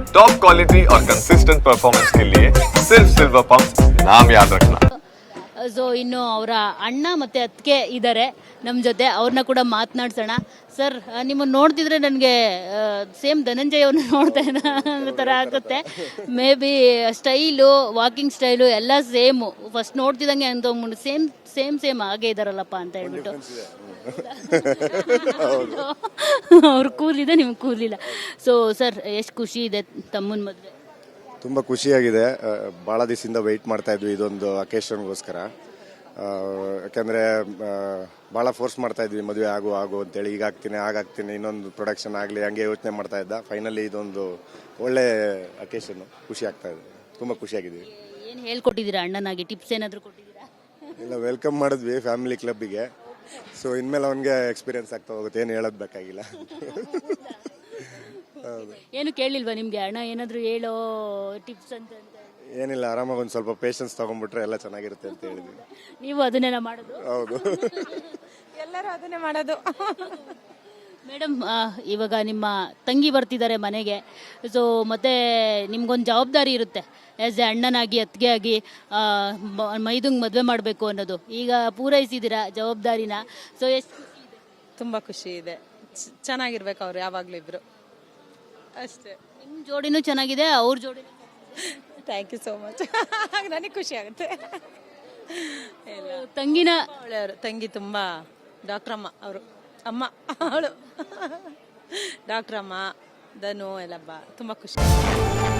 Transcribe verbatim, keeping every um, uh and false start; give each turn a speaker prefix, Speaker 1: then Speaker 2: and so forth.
Speaker 1: Top quality और consistent performance के लिए सिर्फ सिल्वर पंप नाम याद रखना.
Speaker 2: ಸೊ ಇನ್ನು ಅವರ ಅಣ್ಣ ಮತ್ತು ಅತ್ತಿಗೆ ಇದ್ದಾರೆ ನಮ್ಮ ಜೊತೆ, ಅವ್ರನ್ನ ಕೂಡ ಮಾತನಾಡ್ಸೋಣ. ಸರ್, ನಿಮ್ಮನ್ನು ನೋಡ್ತಿದ್ರೆ ನನಗೆ ಸೇಮ್ ಧನಂಜಯ ಅವ್ರನ್ನ ನೋಡ್ತಾ ಇದ್ದ ಅನ್ನೋ ಥರ ಆಗುತ್ತೆ. Maybe style, walking style ಎಲ್ಲ ಸೇಮು. ಫಸ್ಟ್ ನೋಡ್ತಿದ್ದಂಗೆ ಅಂತ ಸೇಮ್ ಸೇಮ್ ಸೇಮ್ ಹಾಗೆ ಇದ್ದಾರಲ್ಲಪ್ಪ ಅಂತ ಹೇಳ್ಬಿಟ್ಟು. ಅವ್ರ ಕೂಲಿದೆ, ನಿಮ್ಗೆ ಕೂಲಿಲ್ಲ. ಸೊ ಸರ್, ಎಷ್ಟು ಖುಷಿ ಇದೆ ತಮ್ಮನ ಮದುವೆ?
Speaker 3: ತುಂಬ ಖುಷಿಯಾಗಿದೆ. ಭಾಳ ದಿವಸದಿಂದ ವೆಯ್ಟ್ ಮಾಡ್ತಾ ಇದ್ವಿ ಇದೊಂದು ಅಕೇಶನ್ಗೋಸ್ಕರ. ಯಾಕೆಂದರೆ ಭಾಳ ಫೋರ್ಸ್ ಮಾಡ್ತಾ ಇದ್ವಿ ಮದುವೆ ಆಗು ಆಗು ಅಂತೇಳಿ, ಈಗ ಆಗ್ತೀನಿ ಆಗಾಗ್ತೀನಿ, ಇನ್ನೊಂದು ಪ್ರೊಡಕ್ಷನ್ ಆಗಲಿ ಹಂಗೆ ಯೋಚನೆ ಮಾಡ್ತಾ ಇದ್ದ. ಫೈನಲಿ ಇದೊಂದು ಒಳ್ಳೆ ಅಕೇಶನ್ನು, ಖುಷಿ ಆಗ್ತಾ ಇದೆ, ತುಂಬ ಖುಷಿಯಾಗಿದ್ದೀವಿ.
Speaker 2: ಏನು ಹೇಳ್ಕೊಟ್ಟಿದ್ದೀರಾ ಅಣ್ಣನಾಗಿ? ಟಿಪ್ಸ್ ಏನಾದರೂ ಕೊಟ್ಟಿದ್ದೀರಾ?
Speaker 3: ಇಲ್ಲ, ವೆಲ್ಕಮ್ ಮಾಡಿದ್ವಿ ಫ್ಯಾಮಿಲಿ ಕ್ಲಬ್ಬಿಗೆ. ಸೊ ಇನ್ಮೇಲೆ ಅವನಿಗೆ ಎಕ್ಸ್ಪೀರಿಯನ್ಸ್ ಆಗ್ತಾ ಹೋಗುತ್ತೆ, ಏನು ಹೇಳೋದು ಬೇಕಾಗಿಲ್ಲ.
Speaker 2: ಏನು ಕೇಳಿಲ್ವಾ ನಿಮ್ಗೆ ಅಣ್ಣ ಏನಾದ್ರು ಹೇಳೋ ಟಿಪ್ಸ್ ಅಂತ?
Speaker 3: ಏನಿಲ್ಲ, ಆರಾಮಾಗಿ ಒಂದು ಸ್ವಲ್ಪ ಪೇಷನ್ಸ್ ತಗೊಂಡ್ಬಿಟ್ರೆ ಎಲ್ಲ ಚೆನ್ನಾಗಿರುತ್ತೆ ಅಂತ ಹೇಳಿದ್ವಿ.
Speaker 2: ನೀವು ಅದನ್ನೆಲ್ಲ ಮಾಡೋದು?
Speaker 3: ಹೌದು,
Speaker 4: ಎಲ್ಲರೂ ಅದನ್ನೇ ಮಾಡೋದು.
Speaker 2: ಮೇಡಮ್, ಇವಾಗ ನಿಮ್ಮ ತಂಗಿ ಬರ್ತಿದ್ದಾರೆ ಮನೆಗೆ. ಸೊ ಮತ್ತೆ ನಿಮ್ಗೊಂದು ಜವಾಬ್ದಾರಿ ಇರುತ್ತೆ ಆ್ಯಸ್ ಎ ಅಣ್ಣನಾಗಿ, ಅತ್ತಿಗೆ ಆಗಿ, ಮೈದುಂಗ್ ಮದುವೆ ಮಾಡಬೇಕು ಅನ್ನೋದು. ಈಗ ಪೂರೈಸಿದ್ದೀರಾ ಜವಾಬ್ದಾರಿನ. ಸೊ ಎಷ್ಟು
Speaker 4: ತುಂಬ ಖುಷಿ ಇದೆ. ಚೆನ್ನಾಗಿರ್ಬೇಕು ಅವ್ರು ಯಾವಾಗಲೂ ಇಬ್ರು, ಅಷ್ಟೇ.
Speaker 2: ನಿಮ್ಮ ಜೋಡಿನೂ ಚೆನ್ನಾಗಿದೆ, ಅವ್ರ ಜೋಡಿನೂ.
Speaker 4: Thank you so much. ನನಗೆ ಖುಷಿ ಆಗುತ್ತೆ.
Speaker 2: ತಂಗಿನ
Speaker 4: ಒಳ್ಳೆಯವರು. ತಂಗಿ ತುಂಬ ಡಾಕ್ಟ್ರಮ್ಮ ಅವರು, ಅಮ್ಮ ಅವಳು ಡಾಕ್ಟ್ರಮ್ಮ. ಧನು ಎಲ್ಲ ಬಾ ತುಂಬ ಖುಷಿ.